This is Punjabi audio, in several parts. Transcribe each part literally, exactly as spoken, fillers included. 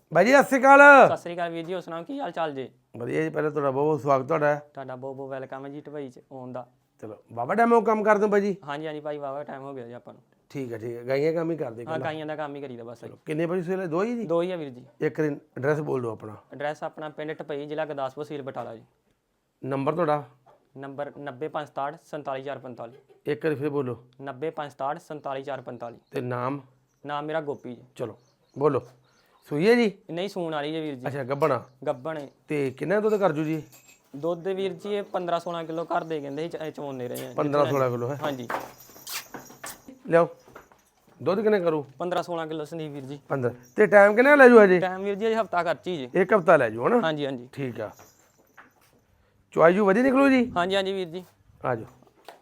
ਬਾਈ ਜੀ ਸਤਿ ਸ਼੍ਰੀ ਅਕਾਲ। ਸਤਿ ਸ੍ਰੀ ਅਕਾਲ ਵੀਰ ਜੀ, ਹੋਰ ਸੁਣਾਓ ਕੀ ਹਾਲ ਚਾਲ ਜੀ? ਵਧੀਆ ਜੀ, ਪਹਿਲਾਂ ਤੁਹਾਡਾ ਬਹੁਤ ਬਹੁਤ ਸਵਾਗਤ ਤੁਹਾਡਾ। ਤੁਹਾਡਾ ਬਹੁਤ ਬਹੁਤ ਵੈਲਕਮ ਹੈ ਜੀ ਢਵਾਈ ਚ ਆਉਣ ਦਾ। ਚਲੋ ਬਾਬਾ ਡੈਮੋ ਕੰਮ ਕਰਦੇ ਹੋ ਬਾਈ ਜੀ? ਹਾਂਜੀ ਹਾਂਜੀ ਭਾਈ, ਵਾਵਾ ਟਾਈਮ ਹੋ ਗਿਆ ਜੀ ਆਪਾਂ ਨੂੰ। ਠੀਕ ਹੈ ਠੀਕ ਹੈ, ਗਾਈਆਂ ਕੰਮ ਹੀ ਕਰਦੇ ਹਾਂ, ਗਾਈਆਂ ਦਾ ਕੰਮ ਹੀ ਕਰੀਦਾ ਬਸ। ਕਿੰਨੇ ਵਜੇ ਸਵੇਲੇ? ਦੋ ਹੀ ਜੀ? ਦੋ ਹੀ ਆ ਵੀਰ ਜੀ। ਇੱਕ ਐਡਰੈਸ ਬੋਲ ਦਿਓ ਆਪਣਾ। ਐਡਰੈਸ ਆਪਣਾ ਪਿੰਡ ਢਪਈ, ਜ਼ਿਲ੍ਹਾ ਗੁਰਦਾਸਪੁਰ, ਤਹਿਸੀਲ ਬਟਾਲਾ ਜੀ। ਨੰਬਰ ਤੁਹਾਡਾ? ਨੰਬਰ ਨੱਬੇ ਪੰਜ ਸਤਾਹਠ ਸੰਤਾਲੀ ਚਾਰ ਪੰਤਾਲੀ। ਇੱਕ ਵਾਰੀ ਫਿਰ ਬੋਲੋ। ਨੱਬੇ ਪੰਜ ਸਤਾਹਠ ਸੰਤਾਲੀ ਚਾਰ ਪੰਤਾਲੀ। ਤੇ ਨਾਮ? ਨਾਮ ਮੇਰਾ ਗੋਪੀ ਜੀ। ਚਲੋ ਬੋਲੋ। ਸੂਈ ਹੈ ਜੀ? ਨਹੀਂ, ਸੂਣ ਵਾਲੀ ਜੀ ਵੀਰ ਜੀ। ਅੱਛਾ, ਗੱਬਣਾ? ਗੱਬਣ ਹੈ। ਤੇ ਕਿੰਨਾ ਦੁੱਧ ਕਰ ਜੂ ਜੀ? ਦੁੱਧ ਦੇ ਵੀਰ ਜੀ ਇਹ ਪੰਦਰਾਂ ਸੋਲਾਂ ਕਿਲੋ ਘਰ ਦੇ ਕਹਿੰਦੇ ਸੀ, ਚਵਾਉਂਦੇ ਰਹੇ ਆ। ਪੰਦਰਾਂ ਸੋਲਾਂ ਕਿਲੋ ਹੈ? ਹਾਂਜੀ। ਲਿਆਓ। ਦੁੱਧ ਕਿੰਨੇ ਕਰੂ? ਪੰਦਰਾਂ ਸੋਲਾਂ ਕਿਲੋ ਸੰਦੀਪ ਵੀਰ ਜੀ। ਪੰਦਰਾਂ। ਤੇ ਟਾਈਮ ਕਿੰਨਾ ਲੈ ਜੂ ਹਜੇ? ਟਾਈਮ ਵੀਰ ਜੀ ਅਜੇ ਹਫਤਾ ਖਰਚੀ ਜੀ। ਇੱਕ ਹਫਤਾ ਲੈ ਜੂ ਹਨਾ? ਹਾਂਜੀ ਹਾਂਜੀ। ਠੀਕ ਆ। ਚੁਆਈ ਜੂ ਵਧੀਆ ਨਿਕਲੂ ਜੀ? ਹਾਂਜੀ ਹਾਂਜੀ ਵੀਰ ਜੀ। ਆ ਜਾਓ।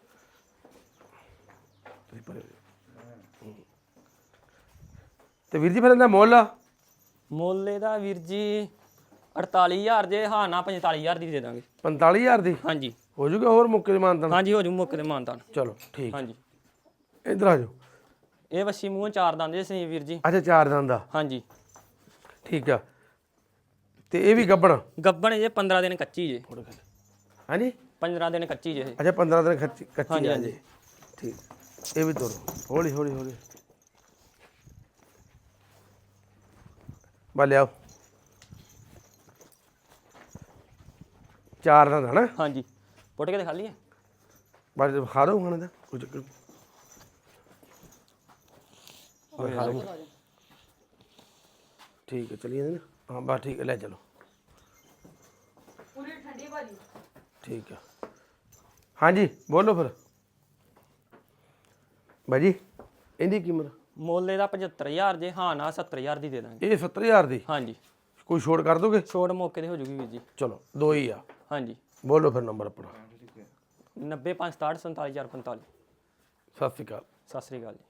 ਤੇ ਵੀਰ ਜੀ ਫਿਰ ਇਹਦਾ ਮੁੱਲ? ਮੁੱਲ ਇਹਦਾ ਵੀਰ ਜੀ ਅੜਤਾਲੀ ਹਜ਼ਾਰ ਜੇ, ਹਾਂ ਨਾ ਪੰਤਾਲੀ ਹਜ਼ਾਰ ਦੀ ਦੇ ਦਾਂਗੇ। ਪੰਤਾਲੀ ਹਜ਼ਾਰ ਦੀ ਹਾਂਜੀ ਹੋ ਜੂਗਾ? ਹੋਰ ਮੁੱਕੇ ਦੇ ਮਾਨਤਾਨ? ਹਾਂਜੀ ਹੋ ਜੂ ਮੁੱਕ ਦੇ ਮਾਨਤਾਨ। ਚਲੋ ਠੀਕ। ਹਾਂਜੀ। ਇੱਧਰ ਆ ਜਾਓ। ਇਹ ਵੱਛੀ ਮੂੰਹ ਚਾਰ ਦੰਦ ਜੇ ਸੰਦੀਪ ਵੀਰ ਜੀ। ਅੱਛਾ, ਚਾਰ ਦੰਦ ਦਾ? ਹਾਂਜੀ। ਠੀਕ ਆ। ਤੇ ਇਹ ਵੀ ਗੱਬਣ? ਗੱਬਣ ਜੇ ਪੰਦਰਾਂ ਦਿਨ ਕੱਚੀ ਜੇ। ਹਾਂਜੀ, ਪੰਦਰਾਂ ਦਿਨ ਕੱਚੀ ਜੇ ਇਹ। ਅੱਛਾ ਪੰਦਰਾਂ ਦਿਨ ਕੱਚੀ ਕੱਚੀ ਹਾਂਜੀ ਆ ਹਾਂਜੀ। ਜੀ। ਠੀਕ। ਇਹ ਵੀ ਤੋਰੋ ਹੌਲੀ ਹੌਲੀ ਹੌਲੀ। ਬਾ ਲਿਆਓ। ਚਾਰ ਦੰਦ ਹਨਾ? ਹਾਂਜੀ। ਪੁੱਟ ਕੇ ਦਿਖਾ ਲਈਏ? ਬਸ ਖਾ ਦੋ ਖਾਣੇ ਦਾ ਕੋਈ ਚੱਕਰ ਨਹੀਂ। ਠੀਕ ਹੈ ਚਲੀਏ ਨਾ। ਹਾਂ ਬਸ ਠੀਕ ਹੈ, ਲੈ ਚਲੋ। ਪੂਰੀ ਠੰਡੀ ਭਾਜੀ। ਠੀਕ ਹੈ। ਹਾਂਜੀ ਬੋਲੋ ਫਿਰ ਬਾਈ ਜੀ। ਇਹਦੀ ਕੀਮਤ? ਮੁੱਲ ਇਹਦਾ ਪਝੱਤਰ ਹਜ਼ਾਰ ਜੇ, ਹਾਂ ਨਾ ਸੱਤਰ ਹਜ਼ਾਰ ਦੀ ਦੇ ਦਾਂਗੇ। ਇਹ ਸੱਤਰ ਹਜ਼ਾਰ ਦੀ? ਹਾਂਜੀ। ਕੋਈ ਛੋੜ ਕਰ ਦੋਗੇ? ਛੋਟ ਮੌਕੇ ਤੇ ਹੋ ਜੂਗੀ ਵੀਰ ਜੀ। ਚਲੋ ਦੋ ਹੀ ਆ। ਹਾਂਜੀ। ਬੋਲੋ ਫਿਰ ਨੰਬਰ ਆਪਣਾ। ਨੱਬੇ ਪੰਜ ਸਤਾਹਠ ਸੰਤਾਲੀ ਚਾਰ ਪੰਤਾਲੀ। ਸਤਿ ਸ਼੍ਰੀ ਅਕਾਲ। ਸਤਿ ਸ੍ਰੀ ਅਕਾਲ ਜੀ।